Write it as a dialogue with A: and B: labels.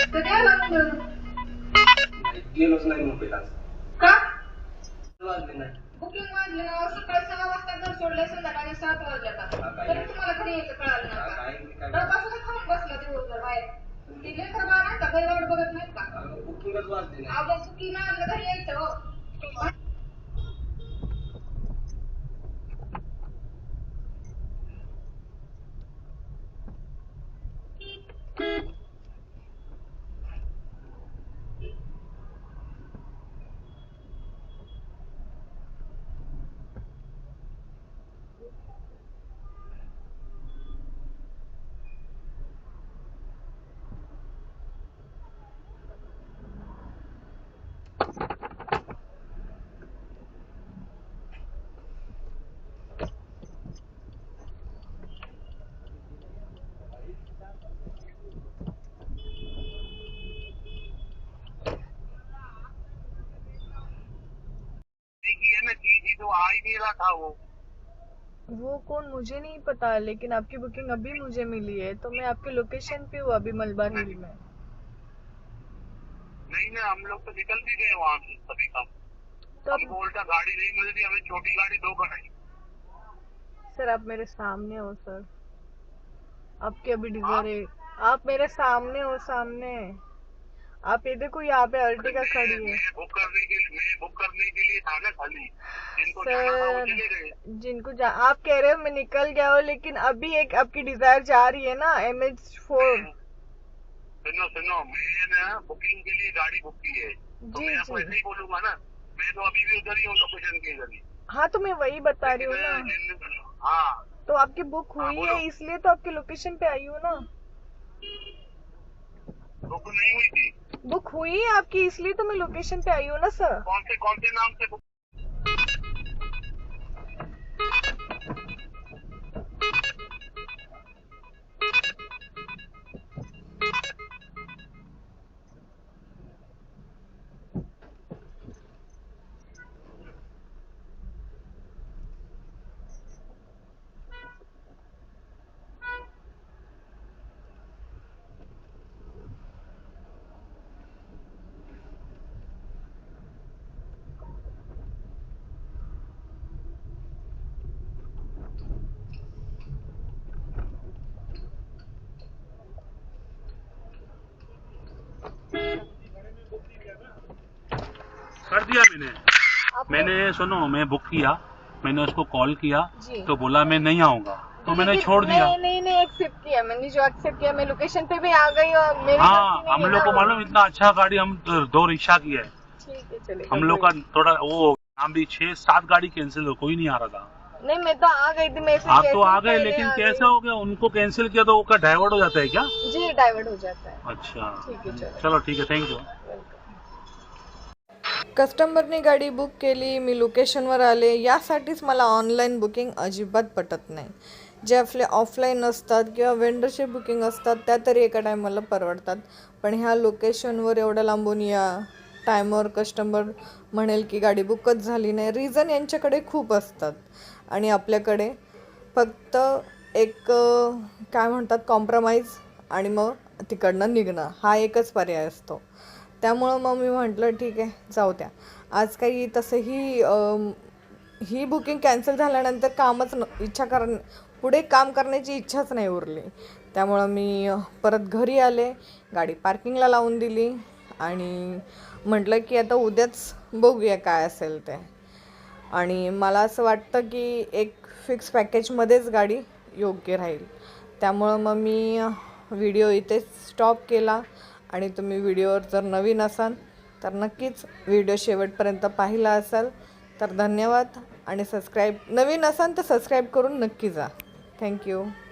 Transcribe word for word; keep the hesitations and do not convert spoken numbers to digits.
A: कधी आला तू?
B: गेलोच नाही मुंबईत आज.
A: का?
B: वाजले नाही.
A: बुकिंग वाजली ना, सकाळी सहा वाजता घर सोडले, संध्याकाळी सात वाजले आता. तरी तुम्हाला घरी यायचं कळालं नाही का? डबासून खाऊन बसला दिवसभर बाहेर. ती लेकर बाळ नाही का, घरी वाट बघत नाहीत का?
B: बुकिंगच वाजली नाही.
A: अहो बुकिंग नाही आलं घरी यायचं हो.
C: तो आ ही नहीं रहा था वो
D: वो कौन मुझे नहीं पता, लेकिन आपकी बुकिंग अभी मुझे मिली है, तो मैं आपके लोकेशन पे हूँ अभी मलबार हिल में।
C: नहीं ना, हम लोग तो निकल भी गए वहाँ से सभी काम।
D: तो
C: हमको उल्टा गाड़ी नहीं मिल रही, हमें छोटी गाड़ी दो कराई।
D: सर आप मेरे सामने हो सर, आपके अभी डिजर है, आप मेरे सामने हो, सामने आप ये देखो यहाँ पे अर्टिगा खड़ी है।
C: मैं बुक करने के लिए मैं बुक करने के लिए था ना खाली, जिनको जाना था वो चले गए।
D: जिनको जा आप कह रहे हो मैं निकल गया हूँ, लेकिन अभी एक आपकी डिजायर जा रही है ना एम एच फोर।
C: सुनो सुनो, मैं ना बुकिंग के लिए गाड़ी बुक की है, तो
D: जी
C: मैं आपको
D: जी
C: ऐसे ही बोलूंगा ना, मैं तो अभी भी उधर ही हूँ लोकेशन के इधर ही।
D: हाँ तो मैं वही बता रही हूँ ना,
C: लेकिन हाँ
D: तो आपकी बुक
C: हाँ,
D: हुई
C: बोलो।
D: है इसलिए तो आपके लोकेशन पे आई हूँ ना।
C: बुक नहीं हुई थी।
D: बुक हुई है आपकी इसलिए तो मैं लोकेशन पे आई हूँ ना सर।
C: कौन से कौन से नाम से बुक?
E: कर दिया मैंने मैंने सुनो, मैं बुक किया, मैंने उसको कॉल किया तो बोला मैं नहीं आऊंगा, तो मैंने छोड़ दिया।
D: नहीं नहीं नहीं एक्सेप्ट किया मैंने, जो एक्सेप्ट किया मैं लोकेशन पे भी आ गई और मेरी
E: हाँ, हम लोग को मालूम इतना अच्छा गाड़ी हम दो रिक्शा की है,
D: ठीक है चलिए।
E: हम लोग का थोड़ा वो हम भी छह सात गाड़ी कैंसिल हो, कोई नहीं आ रहा था।
D: नहीं मैं तो आ गई थी, मैं
E: आप तो आ गए, लेकिन कैसा हो गया, उनको कैंसिल किया तो वो डाइवर्ट हो जाता है क्या?
D: जी डाइवर्ट हो जाता है।
E: अच्छा
D: ठीक है चलो
E: चलो ठीक आहे, थँक्यू।
D: कस्टमरने गाडी बुक केली, मी लोकेशनवर आले, यासाठीच मला ऑनलाईन बुकिंग अजिबात पटत नाही। जे आपले ऑफलाईन असतात किंवा वेंडरचे बुकिंग असतात त्या तरी एका टायमाला परवडतात, पण ह्या लोकेशनवर एवढ्या लांबून या टायमवर कस्टमर म्हणेल की गाडी बुकच झाली नाही, रिझन यांच्याकडे खूप असतात आणि आपल्याकडे फक्त एक काय म्हणतात कॉम्प्रोमाइज आणि मग तिकडनं निघणं हा एकच पर्याय असतो। त्यामुळं मग मी म्हटलं ठीक आहे जाऊ द्या, आज काही तसंही ही बुकिंग कॅन्सल झाल्यानंतर कामच न इच्छा कर पुढे काम करण्याची इच्छाच नाही उरली। त्यामुळं मी परत घरी आले, गाडी पार्किंगला लावून दिली आणि म्हटलं की आता उद्याच बघूया काय असेल ते। आणि मला असं वाटतं की एक फिक्स पॅकेजमध्येच गाडी योग्य राहील। त्यामुळं मग मी व्हिडिओ इथे स्टॉप केला आणि तुम्ही व्हिडिओवर जर नवीन असाल तर नक्कीच व्हिडिओ शेवटपर्यंत पाहिला असाल तर धन्यवाद, आणि सबस्क्राईब नवीन असाल तर सबस्क्राईब करून नक्की जा। थँक्यू।